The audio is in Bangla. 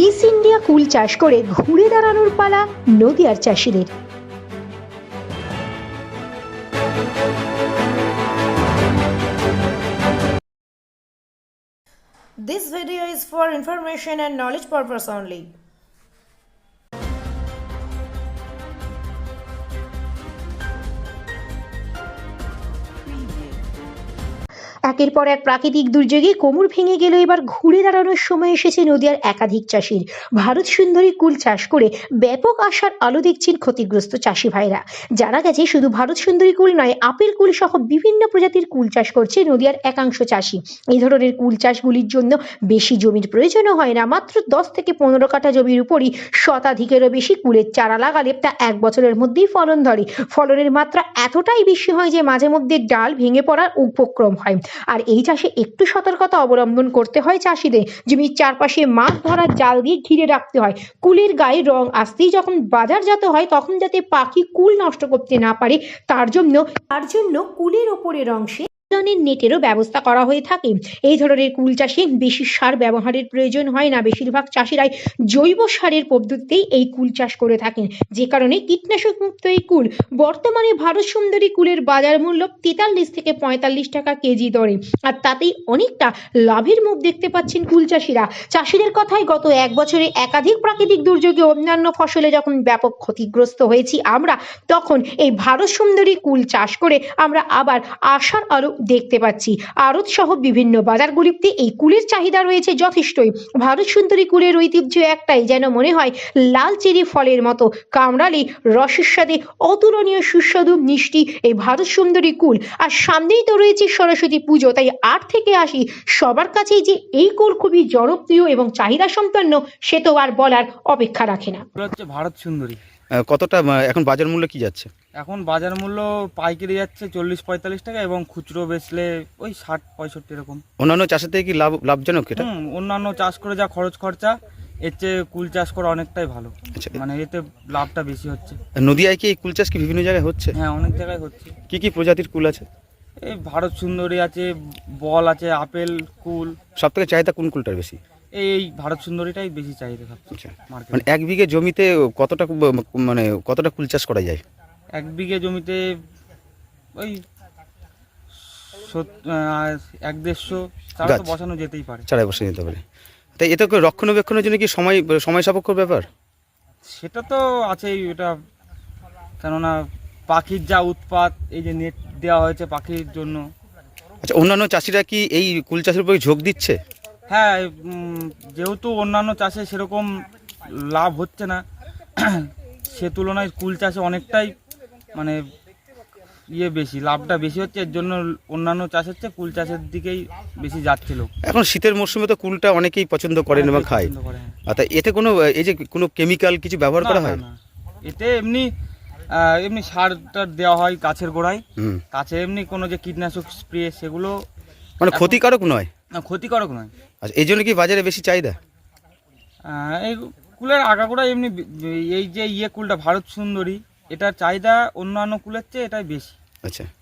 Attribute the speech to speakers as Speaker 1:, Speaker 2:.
Speaker 1: মিস ইন্ডিয়া কুল চাষ করে ঘুরে দাঁড়ানোর পালা নদিয়ার চাষিদের।
Speaker 2: This video is for information and knowledge purpose only.
Speaker 1: একের পর এক প্রাকৃতিক দুর্যোগে কোমর ভেঙে গেল, এবার ঘুরে দাঁড়ানোর সময় এসেছে নদিয়ার একাধিক চাষির। ভারত সুন্দরী কুল চাষ করে ব্যাপক আশার আলো দেখছেন ক্ষতিগ্রস্ত চাষি ভাইরা। জানা গেছে শুধু ভারত সুন্দরী কুল নয়, আপেল কুল সহ বিভিন্ন প্রজাতির কুল চাষ করছে নদিয়ার একাংশ চাষি। এই ধরনের কুল চাষগুলির জন্য বেশি জমির প্রয়োজনও হয় না। মাত্র 10 থেকে 15 কাঠা জমির উপরই শতাধিকেরও বেশি কুলের চারা লাগালে তা 1 বছরের মধ্যেই ফলন ধরে। ফলনের মাত্রা এতটাই বেশি হয় যে মাঝে মধ্যে ডাল ভেঙে পড়ার উপক্রম হয়। আর এই চাষে একটু সতর্কতা অবলম্বন করতে হয় চাষিদের। জমির চারপাশে মাছ ধরার জাল দিয়ে ঘিরে রাখতে হয়। কুলের গায়ে রং আসতেই যখন বাজারজাত হয় তখন যাতে পাখি কুল নষ্ট করতে না পারে তার জন্য কুলের ওপরের অংশে নেটেরও ব্যবস্থা করা হয়ে থাকে। এই ধরনের কুল চাষে বেশি সার ব্যবহারের প্রয়োজন হয় না। বেশিরভাগ চাষিরাই জৈব সারের পদ্ধতিতেই এই কুল চাষ করে থাকেন, যে কারণে কীটনাশক মুক্ত এই কুল বর্তমানে ভারত সুন্দরী কুলের বাজার মূল্য 43 থেকে 45 টাকা কেজি দরে। আর তাতেই অনেকটা লাভের মুখ দেখতে পাচ্ছেন কুল চাষিরা। চাষিদের কথায় গত 1 বছরে একাধিক প্রাকৃতিক দুর্যোগে অন্যান্য ফসলে যখন ব্যাপক ক্ষতিগ্রস্ত হয়েছি আমরা, তখন এই ভারত সুন্দরী কুল চাষ করে আমরা আবার আশার আলো দেখতে পাচ্ছি। আড়ত সহ বিভিন্ন বাজারগুলিতে এই কুলের চাহিদা রয়েছে যথেষ্টই। ভারত সুন্দরী কুলের ঐতিহ্য একটাই, যেন মনে হয় লাল চেরি ফলের মতো কামড়ালে রসের স্বাদে অতুলনীয় সুস্বাদু মিষ্টি এই ভারত সুন্দরী কুল। আর সামনেই তো রয়েছে সরস্বতী পুজো, তাই 8 থেকে 80 সবার কাছেই যে এই কুল খুবই জনপ্রিয় এবং চাহিদা সম্পন্ন সে তো আর বলার অপেক্ষা রাখে না।
Speaker 3: হচ্ছে ভারত সুন্দরী।
Speaker 4: কতটা এখন বাজার মূল্য কি যাচ্ছে?
Speaker 3: এখন বাজার মূল্য পাইকারি যাচ্ছে 40-45 টাকা এবং খুচরো বেচলে ওই 60-65 এরকম।
Speaker 4: অন্যান্য চাষের থেকে কি লাভজনক এটা?
Speaker 3: অন্যান্য চাষ করে যা খরচ খরচা এর চেয়ে কুল চাষ করা অনেকটাই ভালো। মানে এতে লাভটা বেশি হচ্ছে।
Speaker 4: নদিয়ায় কি এই কুল চাষ কি বিভিন্ন জায়গায় হচ্ছে?
Speaker 3: হ্যাঁ, অনেক জায়গায় হচ্ছে।
Speaker 4: কি কি প্রজাতির কুল আছে?
Speaker 3: এই ভারত সুন্দরী আছে, বল আছে, আপেল কুল।
Speaker 4: সব থেকে চাহিদা কোন কুলটার বেশি?
Speaker 3: এই ভারত সুন্দরীটাই বেশি চাহিদা সবচেয়ে মার্কেটে।
Speaker 4: মানে 1 বিঘে জমিতে কতটা কুল চাষ করা যায়?
Speaker 3: 1 বিঘে জমিতে ওই 1-150 চারা তো বসানো যেতেই পারে।
Speaker 4: চারা বসে যেতে পারে। তাই এটা রক্ষণাবেক্ষণের জন্য কি সময় সাপেক্ষ ব্যাপার?
Speaker 3: সেটা তো আছেই, এটা কেননা পাখির যা উৎপাত, এই যে নেট দেওয়া হয়েছে পাখির জন্য।
Speaker 4: আচ্ছা, অন্যান্য চাষিরা কি এই কুল চাষের উপরে ঝোঁক দিচ্ছে?
Speaker 3: হ্যাঁ, যেহেতু অন্যান্য চাষে সেরকম লাভ হচ্ছে না, সে তুলনায় কুল চাষে অনেকটাই মানে বেশি লাভটা বেশি হচ্ছে। এর জন্য অন্যান্য চাষের চেয়ে কুল চাষের দিকেই বেশি যাচ্ছিল।
Speaker 4: এখন শীতের মরশুমে তো কুলটা অনেকেই পছন্দ করেন এবং খায়। আচ্ছা, এতে কোনো কেমিক্যাল কিছু ব্যবহার করা হয়?
Speaker 3: এতে এমনি সারটা দেওয়া হয় গাছের গোড়ায়। গাছে এমনি কোনো যে কীটনাশক স্প্রে সেগুলো
Speaker 4: মানে ক্ষতিকারক নয়?
Speaker 3: না, ক্ষতিকারক নয়।
Speaker 4: আচ্ছা, এই জন্য কি বাজারে বেশি চাহিদা?
Speaker 3: এই কুলের আগাগোড়া এমনি এই যে কুলটা ভারত সুন্দরী, এটার চাহিদা অন্যান্য কুলের চেয়ে এটাই বেশি।
Speaker 4: আচ্ছা।